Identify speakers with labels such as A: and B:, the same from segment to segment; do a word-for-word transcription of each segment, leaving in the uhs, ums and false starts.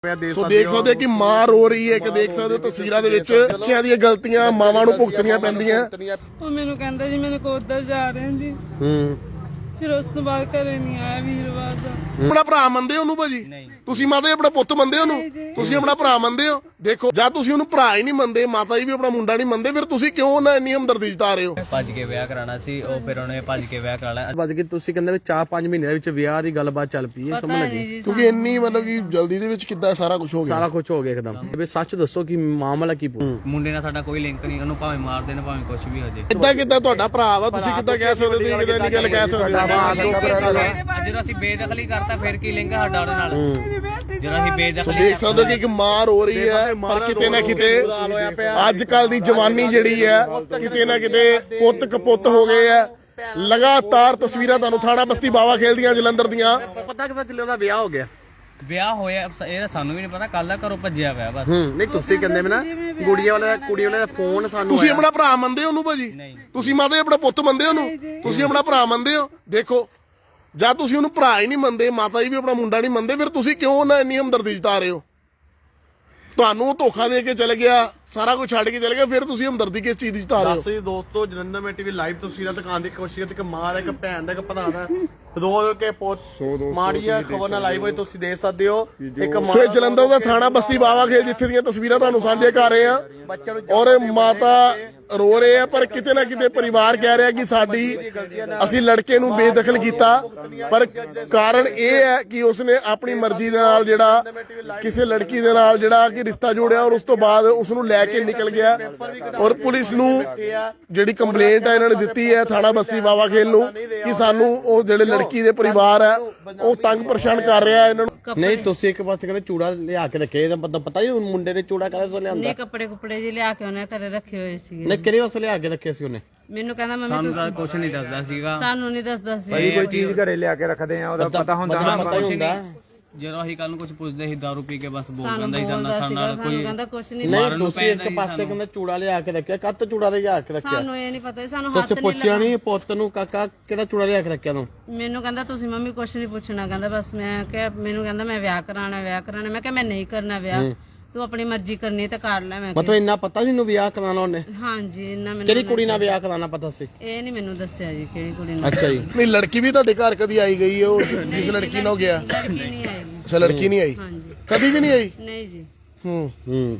A: ਸੋ ਦੇਖ ਸਕਦੇ ਕਿ ਮਾਂ ਰੋ ਰਹੀ ਹੈ ਕਿ ਦੇਖ ਸਕਦੇ ਹੋ ਤਸਵੀਰਾਂ ਦੇ ਵਿੱਚ ਬੱਚਿਆਂ ਦੀਆਂ ਗਲਤੀਆਂ ਮਾਵਾਂ ਨੂੰ ਭੁਗਤਣੀਆਂ ਪੈਂਦੀਆਂ।
B: ਉਹ ਮੈਨੂੰ ਕਹਿੰਦਾ ਜੀ ਮੈਨੂੰ ਕੋਦਰ ਜਾ ਰਹੇ ਜੀ।
A: ਹੂੰ
B: ਫਿਰ ਉਸ ਤੋਂ ਬਾਅਦ ਘਰੇ ਨਹੀਂ ਆਇਆ ਵੀਰਵਾਰ ਦਾ।
A: ਆਪਣਾ ਭਰਾ ਮੰਨਦੇ ਹੋ ਉਹਨੂੰ ਭਾਜੀ? ਤੁਸੀਂ ਮਾਤਾ ਜੀ ਆਪਣਾ ਪੁੱਤ ਮੰਨਦੇ ਹੋ ਉਹਨੂੰ? ਤੁਸੀਂ ਆਪਣਾ ਭਰਾ ਮੰਨਦੇ ਹੋ? ਦੇਖੋ ਜਦ ਤੁਸੀਂ ਉਹਨੂੰ ਭਰਾ ਹੀ ਨਹੀਂ ਮੰਨਦੇ, ਮਾਤਾ ਜੀ ਵੀ ਆਪਣਾ ਮੁੰਡਾ ਨਹੀਂ ਮੰਨਦੇ, ਫਿਰ ਤੁਸੀਂ ਕਿਉਂ ਨਾ ਇੰਨੀ ਹਮਦਰਦੀ ਜਤਾ ਰਹੇ ਹੋ?
C: ਭੱਜ ਕੇ ਵਿਆਹ ਕਰਾਣਾ ਸੀ, ਉਹ ਫਿਰ ਉਹਨੇ ਭੱਜ ਕੇ ਵਿਆਹ ਕਰਾ ਲਿਆ।
D: ਵੱਜ ਕੇ ਤੁਸੀਂ ਕਹਿੰਦੇ ਵੀ ਚਾਰ ਪੰਜ ਮਹੀਨਿਆਂ ਦੇ ਵਿੱਚ ਵਿਆਹ ਦੀ ਗੱਲਬਾਤ ਚੱਲ ਪਈ ਹੈ, ਸਮਝ ਲੱਗੀ?
A: ਕਿਉਂਕਿ ਇੰਨੀ ਮਤਲਬ ਕਿ ਜਲਦੀ ਦੇ ਵਿੱਚ ਕਿੱਦਾਂ ਸਾਰਾ ਕੁਝ ਹੋ ਗਿਆ?
D: ਸਾਰਾ ਕੁਝ ਹੋ ਗਿਆ ਇੱਕਦਮ। ਵੀ ਸੱਚ ਦੱਸੋ ਕਿ ਮਾਮਲਾ ਕੀ ਪੂ
C: ਮੁੰਡੇ ਨਾਲ ਸਾਡਾ ਕੋਈ ਲਿੰਕ ਨਹੀਂ, ਉਹਨੂੰ ਭਾਵੇਂ ਮਾਰ ਦੇਣ ਭਾਵੇਂ ਕੁਝ ਵੀ ਹੋ ਜੇ।
A: ਕਿੱਦਾਂ ਕਿੱਦਾਂ ਤੁਹਾਡਾ ਭਰਾ ਵਾ, ਤੁਸੀਂ ਕਿੱਦਾਂ ਕਹਿ ਸਕਦੇ ਹੋ? ਤੁਸੀਂ ਕਿੱਦਾਂ ਇੰਨੀ ਗੱਲ ਕਹਿ ਸਕਦੇ ਹੋ?
C: ਜਦੋਂ ਅਸੀਂ ਬੇਦਖਲੀ ਕਰਤਾ ਫਿਰ ਕੀ ਲਿੰਕ ਸਾਡਾ ਉਹਦੇ ਨਾਲ? ਜਦੋਂ ਅਸੀਂ ਬੇਦਖਲੀ
A: ਦੇਖ ਸਕਦੇ ਹੋ ਕਿ ਇੱਕ ਮਾਂ ਰੋ ਰਹੀ ਹੈ, ਪਰ ਕਿਤੇ ਨਾ ਕਿਤੇ ਅੱਜ ਕੱਲ ਦੀ ਜਵਾਨੀ ਜਿਹੜੀ ਹੈ ਕਿਤੇ ਨਾ ਕਿਤੇ ਪੁੱਤ ਕਪੁੱਤ ਹੋ ਗਏ ਆ। ਲਗਾਤਾਰ ਤਸਵੀਰਾਂ ਤੁਹਾਨੂੰ ਥਾਣਾ ਬਸਤੀ ਬਾਵਾ ਖੇਲ ਦੀਆਂ ਜਲੰਧਰ ਦੀਆਂ।
D: ਪਤਾ ਕਿਦਾਂ ਚੱਲਿਆ ਉਹਦਾ ਵਿਆਹ ਹੋ ਗਿਆ?
C: ਵਿਆਹ ਹੋਇਆ ਇਹ ਸਾਨੂੰ ਵੀ ਨਹੀਂ ਪਤਾ, ਕੱਲ ਦਾ ਘਰੋਂ ਭੱਜਿਆ ਪਿਆ ਬਸ।
D: ਹੂੰ ਨਹੀਂ ਤੁਸੀਂ ਕਹਿੰਦੇ ਵੀ ਨਾ ਗੁੜੀਆ ਵਾਲਾ ਕੁੜੀ ਵਾਲੇ ਦਾ ਫੋਨ ਸਾਨੂੰ
A: ਤੁਸੀਂ ਆਪਣਾ ਭਰਾ ਮੰਨਦੇ ਹੋ ਉਹਨੂੰ ਭਾਜੀ? ਤੁਸੀਂ ਮਾਤਾ ਜੀ ਆਪਣਾ ਪੁੱਤ ਮੰਨਦੇ ਹੋ ਉਹਨੂੰ? ਤੁਸੀਂ ਆਪਣਾ ਭਰਾ ਮੰਨਦੇ ਹੋ? ਦੇਖੋ ਜਦ ਤੁਸੀਂ ਉਹਨੂੰ ਭਰਾ ਹੀ ਨਹੀਂ ਮੰਨਦੇ, ਮਾਤਾ ਜੀ ਵੀ ਆਪਣਾ ਮੁੰਡਾ ਨਹੀਂ ਮੰਨਦੇ, ਫਿਰ ਤੁਸੀਂ ਕਿਉਂ ਨਾ ਇੰਨੀ ਹਮਦਰਦੀ ਜਤਾ ਰਹੇ ਹੋ? ਤੁਹਾਨੂੰ ਧੋਖਾ ਦੇ ਕੇ ਚਲੇ ਗਿਆ, ਸਾਰਾ ਕੁਝ ਛੱਡ ਕੇ ਚਲੇ ਗਿਆ, ਫਿਰ ਤੁਸੀਂ ਹਮਦਰਦੀ ਕਿਸ ਚੀਜ਼ ਦੀ ਜਤਾ ਰਹੇ ਹੋ?
D: ਦੱਸ ਦੋਸਤੋ ਜਲੰਧਰ ਮੇ ਟੀਵੀ ਲਾਈਵ ਤਸਵੀਰਾਂ ਦਿਖਾਉਣ ਦੀ ਕੋਸ਼ਿਸ਼ ਕੀਤੀ ਕਿ ਮਾਂ ਦਾ ਇੱਕ ਭੈਣ ਦਾ ਇੱਕ ਭਰਾ ਦਾ ਰੋ ਕੇ ਪੁੱਤ ਮਾੜੀ ਆ ਖਬਰ ਨਾਲ ਲਾਈਵ ਹੋਈ ਤੁਸੀਂ ਦੇਖ ਸਕਦੇ ਹੋ। ਇੱਕ ਮਾਂ
A: ਸੋ ਜਲੰਧਰ ਦਾ ਥਾਣਾ ਬਸਤੀ ਬਾਵਾ ਖੇਲ ਜਿੱਥੇ ਦੀਆਂ ਤਸਵੀਰਾਂ ਤੁਹਾਨੂੰ ਸਾਂਝੇ ਕਰ ਰਹੇ ਆ, ਔਰ ਮਾਤਾ ਰੋ ਰਹੇ ਆ, ਪਰ ਕਿਤੇ ਨਾ ਕਿਤੇ ਪਰਿਵਾਰ ਕਹਿ ਰਿਹਾ ਕਿ ਸਾਡੀ ਅਸੀਂ ਲੜਕੇ ਨੂੰ ਬੇਦਖਲ ਕੀਤਾ, ਪਰ ਕਾਰਨ ਇਹ ਹੈ ਕਿ ਉਸਨੇ ਆਪਣੀ ਮਰਜ਼ੀ ਦੇ ਨਾਲ ਜਿਹੜਾ ਕਿਸੇ ਲੜਕੀ ਦੇ ਨਾਲ ਜਿਹੜਾ ਕਿ ਰਿਸ਼ਤਾ ਜੋੜਿਆ, ਔਰ ਉਸ ਤੋਂ ਬਾਅਦ ਉਸ ਨੂੰ ਲੈ ਕੇ ਨਿਕਲ ਗਿਆ। ਔਰ ਪੁਲਿਸ ਨੂੰ ਜਿਹੜੀ ਕੰਪਲੇਂਟ ਹੈ ਇਹਨਾਂ ਨੇ ਦਿੱਤੀ ਹੈ ਥਾਣਾ ਬਸਤੀ ਬਾਵਾ ਖੇਲ ਨੂੰ ਕਿ ਸਾਨੂੰ ਉਹ ਜਿਹੜੇ ਲੜਕੀ ਦੇ ਪਰਿਵਾਰ ਹੈ ਉਹ ਤੰਗ ਪਰੇਸ਼ਾਨ ਕਰ ਰਿਹਾ ਇਹਨਾਂ ਨੂੰ।
D: ਨਹੀਂ ਤੁਸੀਂ ਇੱਕ ਪਾਸੇ ਕਹਿੰਦੇ ਚੂੜਾ ਲਿਆ ਕੇ ਰੱਖੇ, ਇਹਦਾ ਪਤਾ ਪਤਾ ਹੀ ਮੁੰਡੇ ਨੇ ਚੂੜਾ ਕਾਹਦੇ ਤੋਂ ਲਿਆਂਦਾ?
B: ਨਹੀਂ ਕੱਪੜੇ ਕੁਪੜੇ ਜਿਹੇ ਲਿਆ ਕੇ ਉਹਨੇ ਘਰੇ ਰੱਖੇ ਹੋਏ ਸੀਗੇ।
D: ਨਹੀਂ ਕਿਹੜੇ ਵਾਸਤੇ ਲਿਆ ਕੇ ਰੱਖੇ ਸੀ ਉਹਨੇ?
B: ਮੈਨੂੰ ਕਹਿੰਦਾ ਮੰਮੀ
C: ਸਾਨੂੰ ਤਾਂ ਕੁਝ ਨਹੀਂ ਦੱਸਦਾ ਸੀਗਾ।
B: ਸਾਨੂੰ ਨਹੀਂ ਦੱਸਦਾ ਸੀ।
E: ਕੋਈ ਚੀਜ਼ ਘਰੇ ਲਿਆ ਕੇ ਰੱਖਦੇ ਆ, ਉਹਦਾ ਪਤਾ ਹੁੰਦਾ ਨਾ।
D: ਪਤਾ ਹੀ ਹੁੰਦਾ।
C: ਜਦੋਂ ਅਸੀਂ ਕੱਲ ਨੂੰ ਕੁਝ ਪੁੱਛਦੇ ਸੀ ਦਾਰੂ ਪੀ ਕੇ ਬਸ ਬੋਲ
B: ਸਾਨੂੰ
C: ਦਿੰਦਾ ਸੀ
B: ਬੋਲਦਾ
C: ਸਾਨੂੰ
B: ਸੀਗਾ,
C: ਨਾਲ
B: ਸਾਨੂੰ
C: ਕੋਈ
B: ਕਹਿੰਦਾ ਕੁਛ ਨਹੀਂ।
D: ਨਹੀਂ ਤੁਸੀਂ ਇੱਕ ਪਾਸੇ ਕਹਿੰਦੇ ਚੂੜਾ ਲਿਆ ਕੇ ਰੱਖਿਆ, ਕੱਤ ਚੂੜਾ ਦੇ ਲਿਆ ਕੇ ਰੱਖਿਆ?
B: ਸਾਨੂੰ ਇਹ ਨਹੀਂ ਪਤਾ ਸੀ, ਸਾਨੂੰ ਹੱਥ
D: ਤੁਸੀਂ
B: ਨਹੀਂ
D: ਪੁੱਛਿਆ ਨਹੀਂ ਪੁੱਤ ਨੂੰ ਕਾਕਾ ਕਿਹਦਾ ਚੂੜਾ ਲਿਆ ਕੇ ਰੱਖਿਆ ਤੂੰ?
B: ਮੈਨੂੰ ਕਹਿੰਦਾ ਤੁਸੀਂ ਮੰਮੀ ਕੁਛ ਨਹੀਂ ਪੁੱਛਣਾ, ਕਹਿੰਦਾ ਬਸ ਮੈਂ ਕਿਹਾ, ਮੈਨੂੰ ਕਹਿੰਦਾ ਮੈਂ ਵਿਆਹ ਕਰਾਣਾ ਵਿਆਹ ਕਰਾਣਾ। ਮੈਂ ਕਿਹਾ ਮੈਂ ਨਹੀਂ ਕਰਨਾ ਵਿਆਹ, ਤੂੰ ਆਪਣੀ ਮਰਜ਼ੀ ਕਰਨੀ ਤਾਂ ਕਰ ਲੈ। ਮੈਂ
D: ਮਤਲਬ ਇੰਨਾ ਪਤਾ ਸੀ ਇਹਨੂੰ ਵਿਆਹ ਕਰਾਉਣਾ ਉਹਨੇ?
B: ਹਾਂਜੀ ਇੰਨਾ ਮੈਨੂੰ
D: ਕਿਹੜੀ ਕੁੜੀ ਨਾਲ ਵਿਆਹ ਕਰਾਉਣਾ ਪਤਾ ਸੀ?
B: ਇਹ ਨਹੀਂ ਮੈਨੂੰ ਦੱਸਿਆ ਜੀ ਕਿਹੜੀ ਕੁੜੀ ਨਾਲ।
D: ਅੱਛਾ ਜੀ।
A: ਨਹੀਂ ਲੜਕੀ ਵੀ ਤੁਹਾਡੇ ਘਰ ਕਦੀ ਆਈ ਗਈ ਹੈ? ਉਹ ਜਿਸ ਲੜਕੀ ਨਾਲ ਗਿਆ?
B: ਲੜਕੀ ਨਹੀਂ ਆਈ।
A: ਅੱਛਾ ਲੜਕੀ ਨਹੀਂ ਆਈ
B: ਹਾਂਜੀ
A: ਕਦੀ ਵੀ ਨਹੀਂ ਆਈ?
B: ਨਹੀਂ ਜੀ।
A: ਹੂੰ
D: ਹੂੰ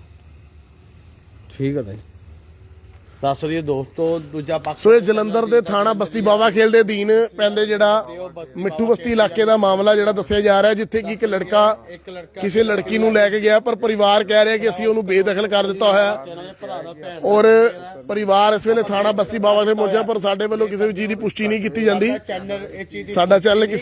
D: ਠੀਕ ਹੈ ਭਾਈ। ਦੱਸ ਰਹੀ ਦੋਸਤੋ ਦੂਜਾ ਪੱਖ।
A: ਸੋ ਇਹ ਜਲੰਧਰ ਦੇ ਥਾਣਾ ਬਸਤੀ ਬਾਵਾ ਖੇਲ ਦੇ ਅਧੀਨ ਪੈਂਦੇ ਜਿਹੜਾ ਮਿੱਠੂ ਬਸਤੀ ਇਲਾਕੇ ਦਾ ਮਾਮਲਾ ਜਿਹੜਾ ਦੱਸਿਆ ਜਾ ਰਿਹਾ, ਜਿੱਥੇ ਕਿ ਇੱਕ ਲੜਕਾ ਕਿਸੇ ਲੜਕੀ ਨੂੰ ਲੈ ਕੇ ਗਿਆ, ਪਰ ਪਰਿਵਾਰ ਕਹਿ ਰਿਹਾ ਕਿ ਅਸੀਂ ਉਹਨੂੰ ਬੇਦਖਲ ਕਰ ਦਿੱਤਾ ਹੋਇਆ। ਔਰ ਪਰਿਵਾਰ ਇਸ ਵੇਲੇ ਥਾਣਾ ਬਸਤੀ ਬਾਵਾ ਖੇਲ ਪਹੁੰਚਿਆ, ਪਰ ਸਾਡੇ ਵੱਲੋਂ ਕਿਸੇ ਵੀ ਚੀਜ਼ ਦੀ ਪੁਸ਼ਟੀ ਨਹੀਂ ਕੀਤੀ ਜਾਂਦੀ। ਸਾਡਾ ਚੈਨਲ